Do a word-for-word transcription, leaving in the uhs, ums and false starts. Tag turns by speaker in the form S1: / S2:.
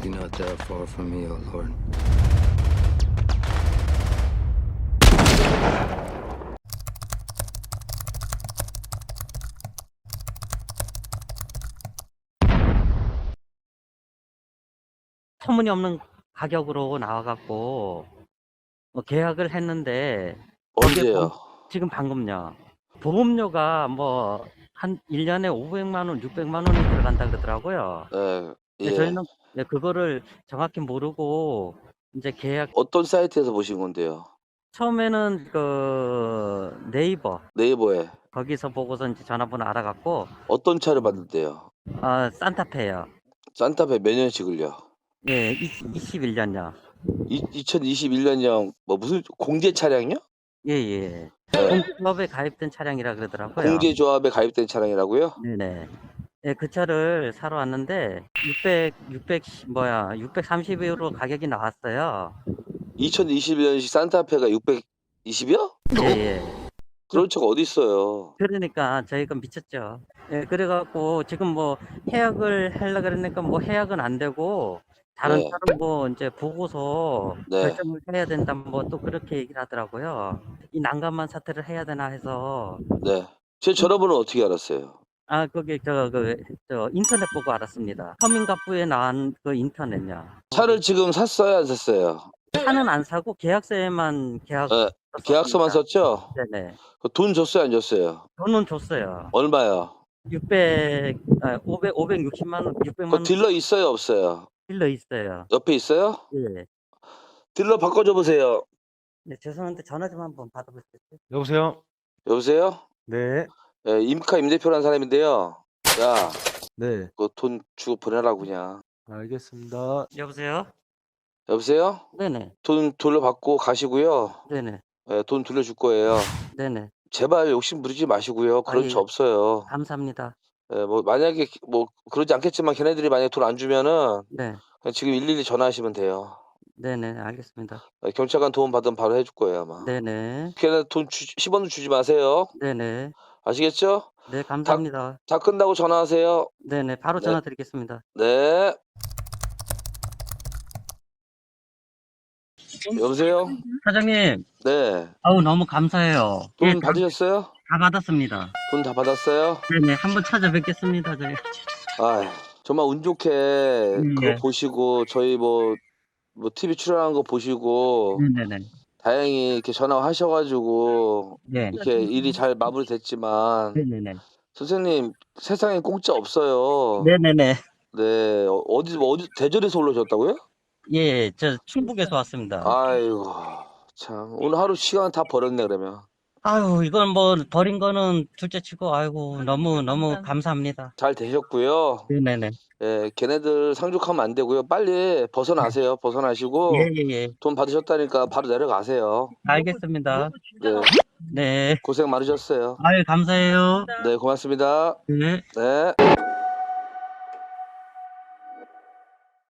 S1: Be not that far from me, O Lord.
S2: 터무니없는 가격으로 나와갖고 뭐 계약을 했는데 그게
S3: 언제요?
S2: 방- 지금 방금요. 보험료가 뭐 한 일 년에 오백만 원, 육백만 원이 들어간다 그러더라고요.
S3: 예,
S2: 근데
S3: 예.
S2: 저희는 네, 그거를 정확히 모르고 이제 계약
S3: 어떤 사이트에서 보신 건데요?
S2: 처음에는 그 네이버
S3: 네이버에.
S2: 거기서 보고서 이제 전화번호 알아갖고
S3: 어떤 차를 받는데요?
S2: 아 산타페요.
S3: 산타페 몇 년식을요?
S2: 예, 이십일 년요.
S3: 이, 이천이십일 년형 뭐 무슨 공제 차량이요?
S2: 예, 예.
S3: 네.
S2: 공기업에 가입된 차량이라 그러더라고요.
S3: 공제조합에 가입된 차량이라고요?
S2: 네네. 예, 그 차를 사러 왔는데 육백, 육백 뭐야 육백삼십 유로 가격이 나왔어요.
S3: 이천이십일 년식 산타페가 육백이십이요?
S2: 예, 예.
S3: 그런 차가 어디 있어요?
S2: 그러니까 저희가 미쳤죠. 예, 그래갖고 지금 뭐 해약을 하려 그러니까 뭐 해약은 안 되고 다른
S3: 네.
S2: 차를 뭐 이제 보고서
S3: 네.
S2: 결정을 해야 된다 뭐 또 그렇게 얘기를 하더라고요. 이 난감한 사태를 해야 되나 해서
S3: 네. 제 전화번호 어떻게 알았어요?
S2: 아 거기 저 그 저 인터넷 보고 알았습니다. 서민갑부에 나온 그 인터넷요.
S3: 차를 지금 샀어요, 안 샀어요?
S2: 차는 안 사고 계약서에만 계약
S3: 네. 계약서만
S2: 썼습니다.
S3: 썼죠?
S2: 네네.
S3: 돈 줬어요, 안 줬어요?
S2: 돈은 줬어요.
S3: 얼마요?
S2: 육백, 아, 오백, 오백육십만 원, 육백만
S3: 그
S2: 원
S3: 딜러 있어요, 없어요?
S2: 빌려 있어요.
S3: 옆에 있어요?
S2: 예.
S3: 딜러 바꿔줘 보세요.
S2: 네, 죄송한데 전화 좀 한번 받아볼 수 있어요?
S4: 여보세요?
S3: 여보세요?
S4: 네.
S3: 예, 임카 임대표라는 사람인데요. 야,
S4: 네.
S3: 그거 돈 주고 보내라고 그냥.
S4: 알겠습니다.
S2: 여보세요?
S3: 여보세요?
S2: 네네.
S3: 돈 돌려받고 가시고요.
S2: 네네.
S3: 예, 돈 돌려줄 거예요.
S2: 네네.
S3: 제발 욕심 부리지 마시고요. 그런
S2: 아,
S3: 차
S2: 예.
S3: 없어요.
S2: 감사합니다.
S3: 예, 뭐 만약에 뭐 그러지 않겠지만 걔네들이 만약에 돈 안 주면은
S2: 네.
S3: 그냥 지금 일일이 전화하시면 돼요.
S2: 네네. 알겠습니다.
S3: 예, 경찰관 도움 받으면 바로 해줄 거예요 아마.
S2: 네네.
S3: 걔네 돈 주, 십 원도 주지 마세요.
S2: 네네.
S3: 아시겠죠?
S2: 네, 감사합니다.
S3: 다 끝나고 전화하세요.
S2: 네네. 바로
S3: 네.
S2: 전화 드리겠습니다.
S3: 네. 여보세요?
S2: 사장님,
S3: 네.
S2: 아우, 너무 감사해요.
S3: 돈
S2: 예, 다,
S3: 받으셨어요?
S2: 다 받았습니다.
S3: 돈 다 받았어요?
S2: 네네. 한번 찾아뵙겠습니다, 저희.
S3: 아, 정말 운 좋게 그거
S2: 네.
S3: 보시고 저희 뭐 뭐 티비 출연한 거 보시고
S2: 네네네.
S3: 다행히 이렇게 전화하셔가지고
S2: 네.
S3: 이렇게 일이 잘 마무리됐지만
S2: 네네네.
S3: 선생님 세상에 공짜 없어요.
S2: 네네네.
S3: 네, 어, 어디 뭐 어디 대전에서 올라오셨다고요?
S2: 예, 저 충북에서 왔습니다.
S3: 아이고 참 오늘 하루 시간 다 버렸네 그러면.
S2: 아유, 이건 뭐 버린 거는 둘째 치고 아이고 너무 너무 감사합니다.
S3: 잘 되셨고요.
S2: 네네네.
S3: 예, 걔네들 상족하면 안 되고요. 빨리 벗어나세요. 벗어나시고
S2: 예예예.
S3: 돈 받으셨다니까 바로 내려가세요.
S2: 알겠습니다.
S3: 네,
S2: 네.
S3: 고생 많으셨어요.
S2: 아유, 감사해요.
S3: 네, 고맙습니다.
S2: 네.
S3: 네.